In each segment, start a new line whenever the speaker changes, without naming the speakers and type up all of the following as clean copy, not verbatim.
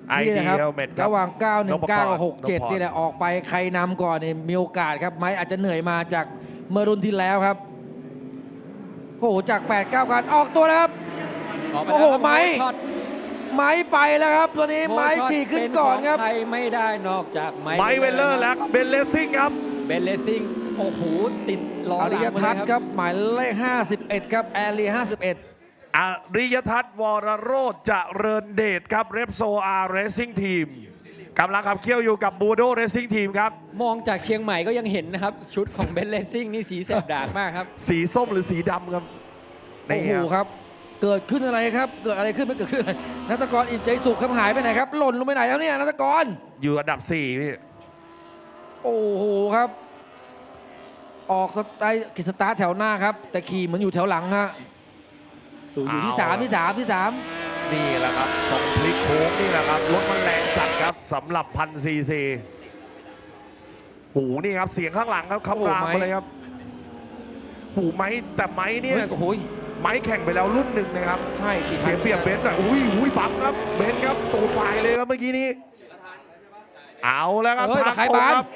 นี่นะครับ
Helmet ครับ
ระหว่าง 919 กับ
นพพร
67 นี่แหละออกไปใครนำก่อนเนี่ยมีโอกาสครับไม้อาจจะเหนื่อยมาจากเมื่อรุ่นที่แล้วครับโอ้โหจาก 8-9 การออกตัวแล้วครับ
ออกป
โอ้โห
แล้วครับ
ไม้
ช็อต
ไม้ไปแล้วครับตัวนี้
โอ้
ไม้
ช็อต
ฉีกขึ้นก่อนครับ
เป็ขงใครไม่ได้นอกจากไม้
ไมค์เวลเลอร์แล้วก็เบนเลสซิ่งครับ
เบนเลสซิ่งโอ้โหติดล้อ
อ
ห
ริ
ลัง
ย
มา
ทั
เล
ศ
ย
น์ครับหมายเลข 51 ครับแอรี51
อริยทัศน์วรโรจน์เจริญเดชครับเรปโซอาร์เรซซิ่งทีมกำลังขับเคี่ยวอยู่กับบูโดเรซซิ่งทีมครับ
มองจากเชียงใหม่ก็ยังเห็นนะครับ ชุดของเบนเลสซิ่งนี่สีแสบดากมากครับ
สีส้มหรือสีดำครับ
โอ้โห
นี่
ครับ เกิดขึ้นอะไรครับ เกิดอะไรขึ้นไม่เกิดขึ้นอะไรนัตกรอิ่มใจสุขครับหายไปไหนครับ หล่นลงไปไหนแล้วเนี่ยนัตกร
อยู่อันดับ 4 พี่
โอ้โหครับ ออกสไตล์กิจสตาร์ทแถวหน้าครับ แต่ขี่เหมือนอยู่แถวหลังฮะอยู่ที่ 3 ที่ 3 ที่ 3
นี่แหละครับตรงพลิกโค้งนี่แหละครับรถมันแรงจัดครับสำหรับพันซีซีหูนี่ครับเสียงข้างหลังครับคำรามมาเลยครับหูไม้แต่ไม้เนี่ย
โอ้โห
ไม้แข่งไปแล้วรุ่นหนึ่งนะครับ
ใช่4,000
เสียเปรียบเบนซ์หน่อยอุ้ยบังครับเบนซ์ครับตูดไฟเลยครับเมื่อกี้นี้เอาแล้วครับ
เฮ้ย
ทาง
ใคร
ตรง
บาน
ครับ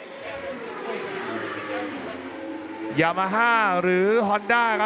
ยามาฮ่าหรือฮอนด้าครับ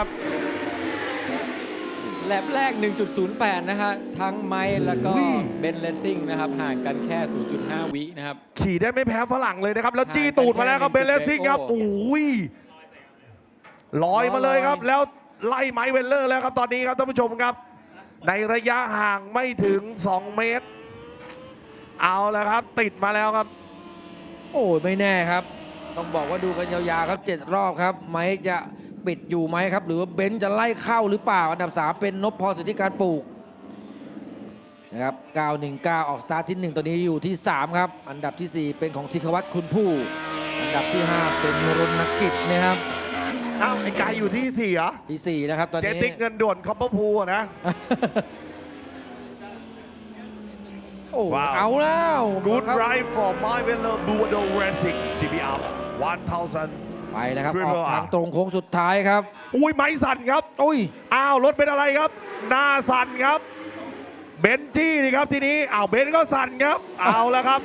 แลบแรก 1.08 นะฮะทั้งไม้แล้วก็เบนเลสซิ่งนะครับห่างกันแค่ 0.5 วินะครับ
ขี่ได้ไม่แพ้ฝรั่งเลยนะครับ แล้วจี้
ห่างกัน
ตูดมาแล้วครับ
แค่
เบนเลสซิ่งครับ
โอ้
โอ้ยลอยมาเลยครับ
ลอย
แล้วไล่ไมค์เวลเลอร์แล้วครับตอนนี้ครับท่านผู้ชมครับ ในระยะห่างไม่ถึง 2 เมตร เอาแล้วครับ ติดมาแล้วครับ
โอ้ยไม่แน่ครับ ต้องบอกว่าดูกันยาวๆครับ 7 รอบครับ ไม้จะปิดอยู่ไหมครับ หรือว่าเบนซ์จะไล่เข้าหรือเปล่า อันดับ 3 เป็นนพพรสิทธิการปลูกนะครับ 919 ออกสตาร์ทที่ 1 ตัวนี้อยู่ที่ 3 ครับ อันดับที่ 4 เป็นของธิควัตรคุณผู้ อันดับที่ 5 เป็นรณกิจนะครับ
อ้าวไอ้กายอยู่ที่4เหรอ
ที่ 4 นะครับตอน
เจ
นี้
ติกเงินด่วนคอปเปอร์พูลนะ
โอ้
ว้าว
เอาแล้ว
Good
ครับ
ride for my Weller Buado Racing CBR 1000
ไปแล้วครับ
Triple
ออก
R
ทางตรงโค้งสุดท้ายครับ
อุ้ยไม้สั่นครับ
อุ้ย
อ้าวรถเป็นอะไรครับ หน้าสั่นครับ เบนจี้นี่ครับทีนี้อ้าวเบนก็สั่นครับ เอาแล้วครับ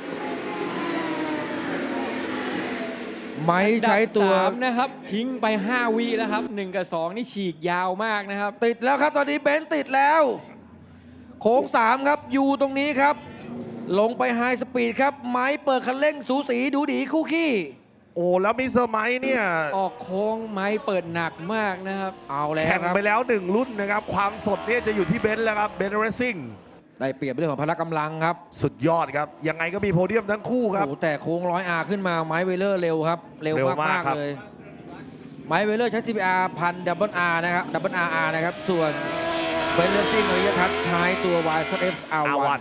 ไม้ใช้ตัว
อันดับ3นะครับทิ้งไป 5 วิแล้วครับ 1 กับ 2 นี่ฉีกยาวมากนะครับ
ติดแล้วครับตอนนี้เบนซ์ติดแล้ว โค้ง 3 ครับอยู่ตรงนี้ครับ ลงไปไฮสปีดครับ ไม้เปิดคันเร่งสูสีดูดีคู่ขี้
โอ้แล้วมิสเตอร์ไมค์เนี่ย
ออกโค้งไม้เปิดหนักมากนะครับ
เอาแล้ว
แข่ง
ครับ
ไปแล้ว1รุ่นนะครับ ความสดเนี่ยจะอยู่ที่เบนซ์แล้วครับเบนซ์เรซิ่ง
ได้เปรียบเรื่องของพละกำลังครับ
สุดยอดครับ ยังไงก็มีโพเดียมทั้งคู่ครับ
โอ้โหแต่โค้ง100R ขึ้นมาไม้เวเลอร์เร็วครับ เร็ว
เร็วมาม
าก ก
ครับ
ๆเลย ไม้เวเลอร์ใช้ CBR 1000 Double R นะครับ Double RR นะครับ ส่วนเบนซ์เรซิ่งอริยทัศน์ใช้ตัว YSF
อา
R1
วัน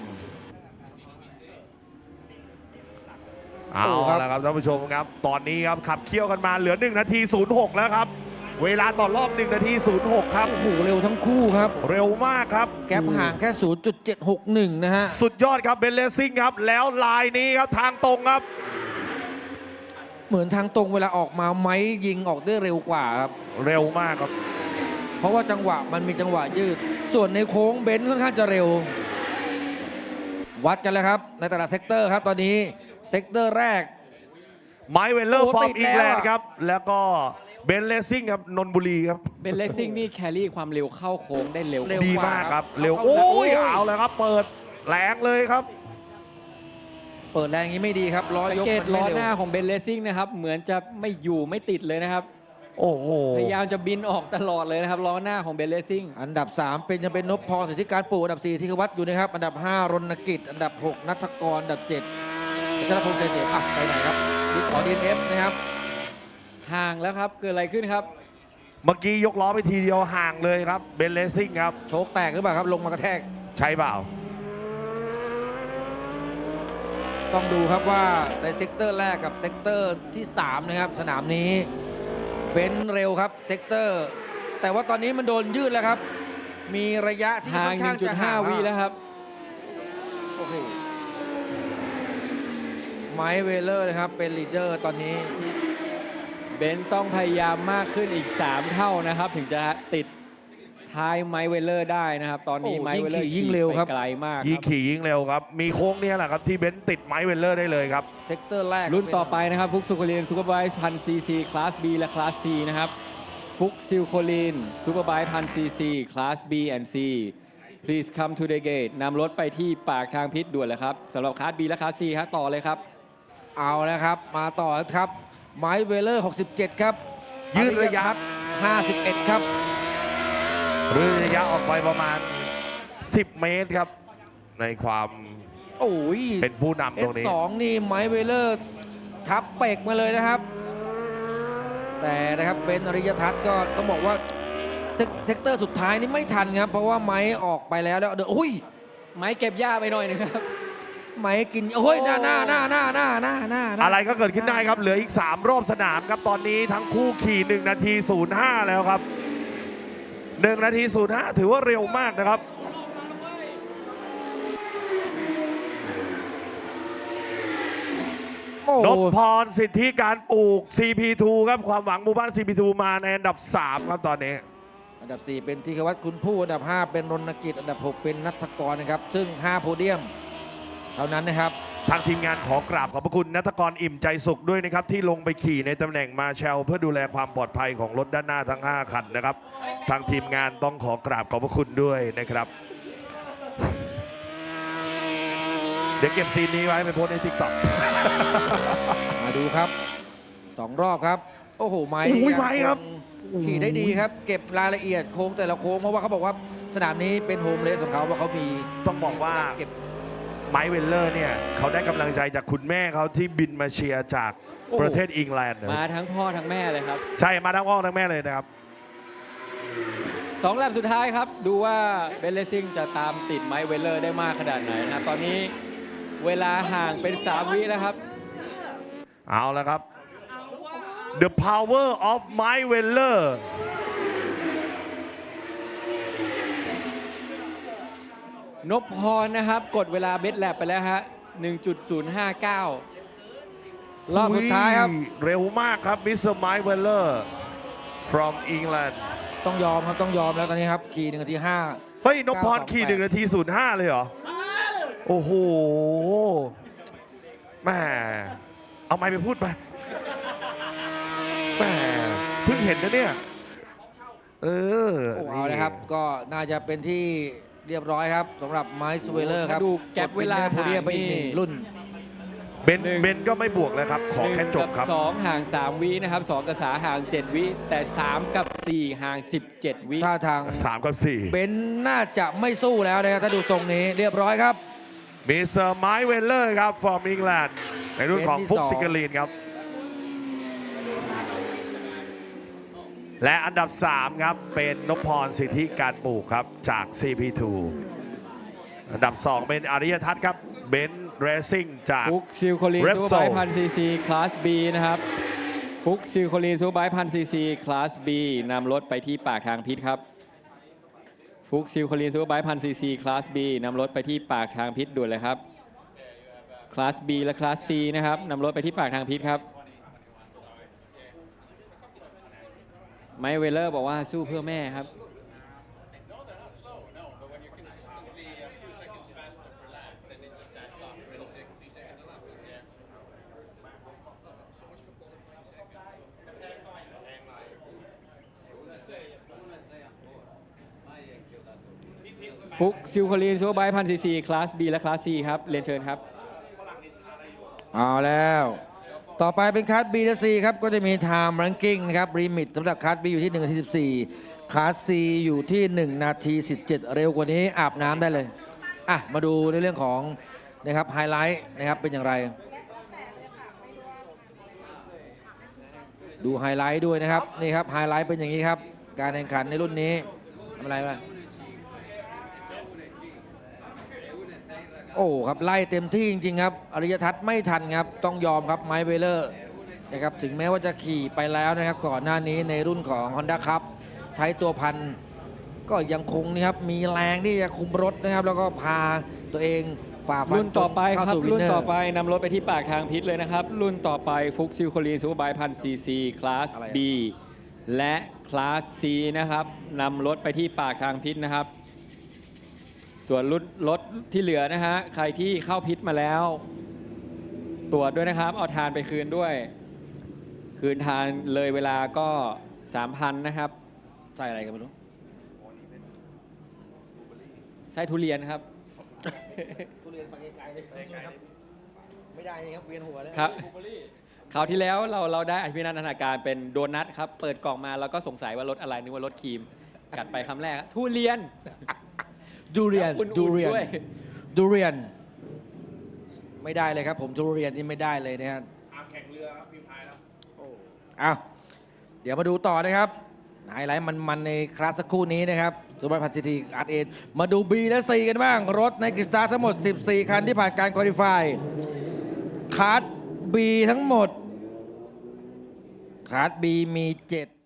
เอา
โอ้ครับ
ละครับท่านผู้ชมครับ ตอนนี้ครับขับเคี่ยวกันมาเหลือ1 นาที 06 แล้วครับ เวลาต่อรอบ1 นาที 06 ครับ
โอ้โหเร็วทั้งคู่ครับ
เร็วมากครับ
แกปห่างแค่ 0.761 นะฮะ
สุดยอดครับเบนเลสซิ่งครับ แล้วลายนี้ครับทางตรงครับ
เหมือนทางตรงเวลาออกมาไม้ยิงออกได้เร็วกว่าครับ
เร็วมากครับ
เพราะว่าจังหวะมันมีจังหวะยืด ส่วนในโค้งเบนซ์ค่อนข้างจะเร็ว วัดกันแล้วครับ ในแต่ละเซกเตอร์ครับตอนนี้เซกเตอร์แรก
ไมค์เวลเลอร์
โอ้
ฟอร์
ติ
ม
ด
อิง
แล้ว
แลนด์
อะ
ครับ แล้วก็เบนเลสซิ่งครับนนทบุรีครับ
เบนเลสซิ่งนี่แครี่ความเร็วเข้าโค้งได้เร็ว
เร็ว
ดีมากครับ
กว่าครับ
เร็ว
เข้า
โอ้ย
โอ้ย
เอาเลยครับ เปิดแรงเลยครับ
เปิดแรงอย่างนี้ไม่ดีครับล้อ
สัง
ยก
เกต
มัน
ล้
ไม่
อ
เร็ว
หน้าของเบนเลสซิ่งนะครับ เหมือนจะไม่อยู่ไม่ติดเลยนะครับ
โอ้โห
พยายามจะบินออกตลอดเลยนะครับล้อหน้าของเบนเลสซิ่ง
อันดับ 3 เป็นยังเป็นนพพรสิทธิการปลูกอันดับ 4 ธิควัตรอยู่นะครับ อันดับ 5 รณกิจ อันดับ 6 นัทกร อันดับ 7พัชรพงษ์ใจเสียอ่ะไปไหนครับดิขอ DNF นะครับ
ห่างแล้วครับ เกิดอะไรขึ้นครับ
เมื่อกี้ยกล้อไปทีเดียวห่างเลยครับเบนเลสซิ่งครับ
โชคแตกหรือเปล่าครับ ลงมากระแทก
ใช่เปล่า
ต้องดูครับว่าในเซกเตอร์แรกกับเซกเตอร์ที่ 3 นะครับ สนามนี้เบนซ์เร็วครับเซกเตอร์ แต่ว่าตอนนี้มันโดนยืดแล้วครับ มีระยะที่
ห่า
ค่อง นข้างจะห่าง
1.5 วิแล้วครับ
โอเคไมค์เวเลอร์นะครับ เป็นลีดเดอร์ตอนนี้
เบนต้องพยายามมากขึ้นอีก 3 เท่านะครับ ถึงจะติดทท้ายไมค์เวลเลอร์ได้นะครับ ตอนนี้
โอ้
ไมค์เวลเลอร์
ยิ่งขี่ยิ่งเร็วครับ
ไปไกลมากค
ยิ่ง
รับ
ขี่ยิ่งเร็วครับ มีโค้งเนี้แหละครับที่เบนซ์ติดไมค์เวลเลอร์ได้เลยครับ
เซกเตอร์แรก
รุ่นต่อไปนะครับฟุกซิลโคลีนซูเปอร์ไบค์พันซีซีคลาส B และคลาส C นะครับฟุกซิลโคลีนซูเปอร์ไบค์พันซีซีคลาส B and C please come to the gate นำรถไปที่ปากทางพิษด่วนเลยครับสำหรับคลาส B และคลาส C ครับต่อเลยครับ
เอาแล้วครับ มาต่อครับไมค์เวลเลอร์ 67 ครับ
ยืดระยะ
51 ครับ
หรือระยะออกไปประมาณ 10 เมตรครับ ในความ
โอ้ย
เป็นผู้นำตรงนี้
F2 นี่ไมค์เวลเลอร์ทับเปกมาเลยนะครับ แต่นะครับเป็นอริยทัศน์ก็ต้องบอกว่าเซกเตอร์สุดท้ายนี่ไม่ทันครับ เพราะว่าไม้ออกไปแล้วเดี๋ยวโอ้ย
ไม้เก็บหญ้าไปหน่อยนึงครับ
ไม้กินโอ้ยหน้า
อะไรก็เกิดขึ้นได้ครับ เหลืออีก 3 รอบสนามครับ ตอนนี้ทั้งคู่ขี่ 1 นาที 05 แล้วครับ 1 นาที 05 ถือว่าเร็วมากนะครับ
โอ้
นพพรสิทธิการปลูก CP2 ครับ ความหวังหมู่บ้าน CP2 มาในอันดับ 3 ครับตอนนี้
อันดับ 4 เป็นธีรวัฒน์คุณผู้อันดับ 5 เป็นรณกิจอันดับ 6 เป็นนัทกรนะครับ ซึ่ง 5 โพเดียม เท่านั้นนะครับ
ทางทีมงานขอกราบขอบพระคุณนัทกรอิ่มใจสุขด้วยนะครับ ที่ลงไปขี่ในตำแหน่งมาแชลเพื่อดูแลความปลอดภัยของรถด้านหน้าทั้ง 5 คันนะครับ ทางทีมงานต้องขอกราบขอบพระคุณด้วยนะครับ เดี๋ยวเก็บซีนนี้ไว้ไปโพสต์ในทิกตอก
มาดูครับ 2 รอบครับ โอ้โห ไม้
โอ้ยไม้ครับ
ยังขี่ได้ดีครับ เก็บรายละเอียดโค้งแต่ละโค้งเพราะว่าเขาบอกว่าสนามนี้เป็นโฮมเลสของเขาว่าเขามี
ต้องบอกว่า
เก็บ
ไมค์เวลเลอร์เนี่ยเขาได้กำลังใจจากคุณแม่เขาที่บินมาเชียร์จาก
โอ้
ประเทศอังกฤษนะ
มาทั้งพ่อทั้งแม่เลยครับ
ใช่มาทั้งพ่อทั้งแม่เลยนะครับ
2 แลปสุดท้ายครับ ดูว่าเบนเลสซิ่งจะตามติดไมค์เวลเลอร์ได้มากขนาดไหนนะครับ ตอนนี้เวลาห่างเป็น 3 วิแล้วครับ
เอาแล้วครับ The power of Mike Weller
นพพรนะครับ กดเวลาเบสแลบไปแล้วฮะ 1.059
รอบสุดท้ายครับ
เร็วมากครับมิสเตอร์ไมค์เวลเลอร์ from England
ต้องยอมครับต้องยอมแล้วตอนนี้ครับขี่1 นาที 5
เฮ้ยนพพรขี่1 นาที 05 เลยเหรอ โอ้โหแหม่เอาไมค์ไปพูดไปแหม่เพิ่งเห็นนะเนี่ย
โอ้เอาเลยครับ ก็น่าจะเป็นที่เรียบร้อยครับสำหรับไมค์สเวลเลอร์ครับ
ถ้าดูแก็ปเวลา
โพเดียมไปอีก
ห่างนี่
1 รุ่น
เบนก็ไม่บวกแล้วครับ ขอแค่จบครับ
2 ห่าง 3 วินะครับ 2 กับ3ห่าง 7 วิ แต่ 3 กับ 4 ห่าง 17 วิ
ท่าทาง
3 กับ 4
เบนซ์น่าจะไม่สู้แล้วนะครับถ้าดูทรงนี้เรียบร้อยครับ
มิสเตอร์ไมค์เวลเลอร์ครับ from England ในรุ่นของ
เป็นที่
ฟุก
สอง
ซิกาลีนครับ และอันดับ 3 ครับ เป็นนพพรสิทธิการปลูกครับ จาก CP2 อันดับ 2 เป็นอริยทัศน์ครับเบนซ์เรซิ่งจาก
ฟุกซิลโคลีน
Repsol
ซูเปอร์ไบค์พันซีซีคลาส B นะครับ ฟุกซิลโคลีนซูเปอร์ไบค์พันซีซีคลาส B นำรถไปที่ปากทางพิษครับ ฟุกซิลโคลีนซูเปอร์ไบค์พันซีซีคลาส B นำรถไปที่ปากทางพิษด่วนเลยครับ คลาส B และคลาส C นะครับนำรถไปที่ปากทางพิษครับ ไมค์เวลเลอร์บอกว่าสู้เพื่อแม่ครับ ฟุกซิลโคลีนซูเปอร์ไบค์พันซีซีคลาส B และคลาส C ครับเรียนเชิญครับ
เอาแล้ว ต่อไปเป็นคัส B และ C ครับ ก็จะมี Time Ranking นะครับลิมิตสำหรับคัส B อยู่ที่1 นาที 14คัส C อยู่ที่ 1 นาที 17 เร็วกว่านี้อาบน้ำได้เลย อ่ะ มาดูในเรื่องของนะครับไฮไลท์นะครับเป็นอย่างไร ดูไฮไลท์ด้วยนะครับ นี่ครับไฮไลท์เป็นอย่างนี้ครับ การแข่งขันในรุ่นนี้ทำอะไรวะโอ้ครับไล่เต็มที่จริงๆครับอริยทัศน์ไม่ทันครับต้องยอมครับไมค์เวลเลอร์นะครับถึงแม้ว่าจะขี่ไปแล้วนะครับก่อนหน้านี้ในรุ่นของ Honda Cup ใช้ตัวพันก็ยังคงนะครับมีแรงที่จะคุมรถนะครับแล้วก็พาตัวเองฝ่าฟัน
รุ่นต่อไป
จเข้า
ครับ
สู่วิ
รุ่
น
น
เนอ
ต่อ
ร์
ไปนำรถไปที่ปากทางพิษเลยนะครับ รุ่นต่อไปฟุกซิลโคลีนซูเปอร์ไบค์พันซีซีคลาส
อะไรอะ
B และคลาส C นะครับนำรถไปที่ปากทางพิษนะครับ ส่วนรถที่เหลือนะฮะใครที่เข้าพิษมาแล้ว ตรวจด้วยนะครับ เอาทานไปคืนด้วย คืนทานเลยเวลาก็ 3,000 นะครับ
ใส่อะไรกันไม่รู้
ไส้ทุเรียนครับ
ทุเรียนไปไกลๆเลยครับไม่ได้ครับเวียนหัวเลย
ครับคราวที่แล้วเราได้อภินันทนาการเป็นโดนัทครับ เปิดกล่องมาแล้วก็สงสัยว่ารสอะไรนึกว่ารสครีม กัดไปคำแรกทุเรียน
ดูเรียน
แล้วอุ่นๆ
ดูเรียน
ด้วย
ดูเรียน ไม่ได้เลยครับ ผมทุเรียนนี่ไม่ได้เลยนะครับ
แข่งเรือครับพิมพ์ไทยแล้ว
อ้าวเดี๋ยวมาดูต่อนะครับไฮไลท์มันในคลาสสักครู่นี้นะครับซูเปอร์พันซิตี้อาร์เอมาดู B และ C กันบ้าง รถในกริสตาร์ทั้งหมด 14 คันที่ผ่านการคุริฟายคลาส B ทั้งหมดคลาส B มี 7